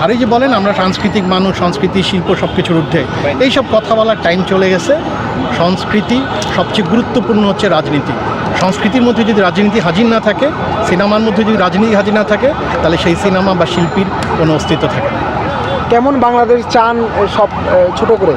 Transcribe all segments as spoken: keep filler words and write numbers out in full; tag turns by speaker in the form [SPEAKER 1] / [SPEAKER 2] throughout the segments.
[SPEAKER 1] আর এই যে বলেন আমরা সাংস্কৃতিক মানুষ, সংস্কৃতি শিল্প সব কিছুর ঊর্ধ্বে, এইসব কথা বলার টাইম চলে গেছে। সংস্কৃতি সবচেয়ে গুরুত্বপূর্ণ হচ্ছে রাজনীতি। সংস্কৃতির মধ্যে যদি রাজনীতি হাজির না থাকে, সিনেমার মধ্যে যদি রাজনীতি হাজির না থাকে, তাহলে সেই সিনেমা বা শিল্পীর কোনো অস্তিত্ব থাকে না।
[SPEAKER 2] কেমন বাংলাদেশ চান সব ছোট করে?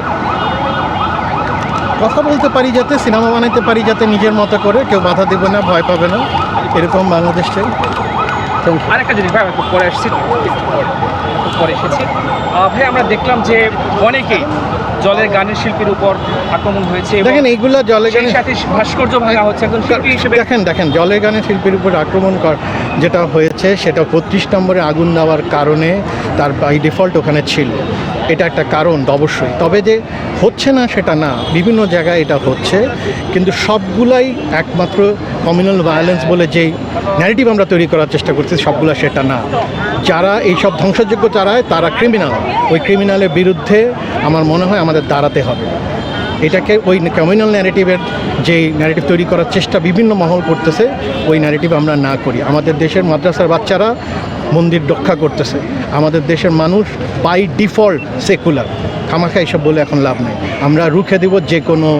[SPEAKER 1] কথা বলতে পারি যাতে, সিনেমা বানাইতে পারি যাতে নিজের মতো করে, কেউ বাধা দেবে না, ভয় পাবে না, এরকম বাংলাদেশ চাই।
[SPEAKER 3] আরেকটা জিনিস ভাই, একটু পরে এসেছি পরে এসেছি ভাই, আমরা দেখলাম যে অনেকেই জলের গানের শিল্পীর উপর আক্রমণ হয়েছে।
[SPEAKER 1] দেখেন এইগুলো জলের গানের
[SPEAKER 3] সাথে ভাস্কর্য ভাঙা হচ্ছে একজন শিল্পী হিসেবে।
[SPEAKER 1] দেখেন দেখেন জলের গানের শিল্পীর উপর আক্রমণ কর যেটা হয়েছে সেটা পঁচিশ নম্বরে আগুন দেওয়ার কারণে তার বাই ডিফল্ট ওখানে ছিল, এটা একটা কারণ অবশ্যই। তবে যে হচ্ছে না সেটা না, বিভিন্ন জায়গায় এটা হচ্ছে, কিন্তু সবগুলাই একমাত্র কমিউনাল ভায়োলেন্স বলে যেই ন্যারেটিভ আমরা তৈরি করার চেষ্টা করছি সবগুলো সেটা না। যারা এইসব ধ্বংসযোগ্য চালায় তারা ক্রিমিনাল, ওই ক্রিমিনালের বিরুদ্ধে আমার মনে হয় আমাদের দাঁড়াতে হবে। এটাকে ওই কমিউনাল ন্যারেটিভের যেই ন্যারেটিভ তৈরি করার চেষ্টা বিভিন্ন মহল করতেছে, ওই ন্যারেটিভ আমরা না করি। আমাদের দেশের মাদ্রাসার বাচ্চারা মন্দির রক্ষা করতেছে, আমাদের দেশের মানুষ বাই ডিফল্ট সেকুলার, খামাখা এইসব বলে এখন লাভ নেই। আমরা রুখে দেব যে কোনো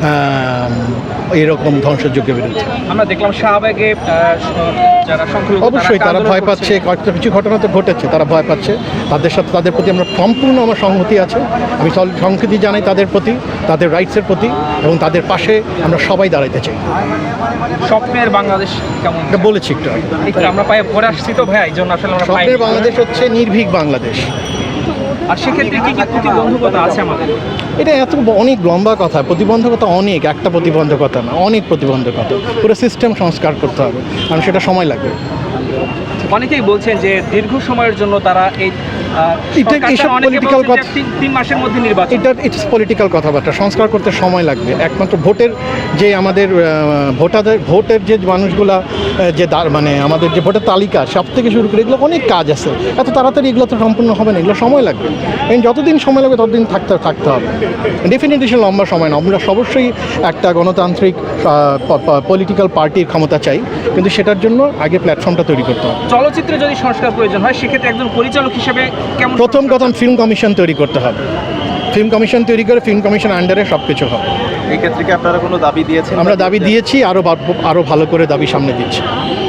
[SPEAKER 1] এরকম ধ্বংসযজ্ঞের বিরুদ্ধে।
[SPEAKER 3] আমরা দেখলাম শাহবাগে যারা সংখ্যালঘু,
[SPEAKER 1] অবশ্যই তারা ভয় পাচ্ছে, কিছু ঘটনা তো ঘটেছে, তারা ভয় পাচ্ছে, তাদের সাথে তাদের প্রতি আমরা সম্পূর্ণ আমার সংহতি আছে। আমি সংহতি জানাই তাদের প্রতি, তাদের রাইটসের প্রতি, এবং তাদের পাশে আমরা সবাই দাঁড়াইতে চাই।
[SPEAKER 3] স্বপ্নের বাংলাদেশ কেমন
[SPEAKER 1] এটা বলেছি একটু আগে,
[SPEAKER 3] আমরা পায়ে পরে আসছি তো ভাই, এই জন্য আসলে আমরা
[SPEAKER 1] স্বপ্নের বাংলাদেশ হচ্ছে নির্ভীক বাংলাদেশ।
[SPEAKER 3] আর সেক্ষেত্রে কী কী প্রতিবন্ধকতা আছে আমাদের?
[SPEAKER 1] এটা এত অনেক লম্বা কথা, প্রতিবন্ধকতা অনেক, একটা প্রতিবন্ধকতা না, অনেক প্রতিবন্ধকতা। পুরো সিস্টেম সংস্কার করতে হবে, কারণ সেটা সময় লাগবে।
[SPEAKER 3] অনেকেই বলছেন যে দীর্ঘ সময়ের জন্য তারা এই
[SPEAKER 1] পলিটিক্যাল কথা,
[SPEAKER 3] তিন মাসের মধ্যে নির্বাচন,
[SPEAKER 1] এটা ইটস পলিটিক্যাল কথাবার্তা। সংস্কার করতে সময় লাগবে। একমাত্র ভোটের যে আমাদের ভোটারদের ভোটের যে মানুষগুলা যে মানে আমাদের যে ভোটের তালিকা সব থেকে শুরু করে এগুলো অনেক কাজ আছে, এত তাড়াতাড়ি এগুলো তো সম্পূর্ণ হবে না, এগুলো সময় লাগবে। এবং যতদিন সময় লাগবে ততদিন থাকতে থাকতে হবে। ডেফিনেটলি সে লম্বা সময় না। আমরা অবশ্যই একটা গণতান্ত্রিক পলিটিক্যাল পার্টির ক্ষমতা চাই, কিন্তু সেটার জন্য আগে প্ল্যাটফর্মটা তৈরি করতে হবে।
[SPEAKER 3] চলচ্চিত্রে যদি সংস্কার প্রয়োজন হয় সেক্ষেত্রে একজন পরিচালক হিসেবে কেমন?
[SPEAKER 1] প্রথম কথা ফিল্ম কমিশন তৈরি করতে হবে। ফিল্ম কমিশন তৈরি করে ফিল্ম কমিশন আন্ডারে সব কিছু হবে।
[SPEAKER 4] এই ক্ষেত্রে কি আপনারা কোনো দাবি দিয়েছেন?
[SPEAKER 1] আমরা দাবি দিয়েছি, আরও আরও ভালো করে দাবি সামনে দিচ্ছি।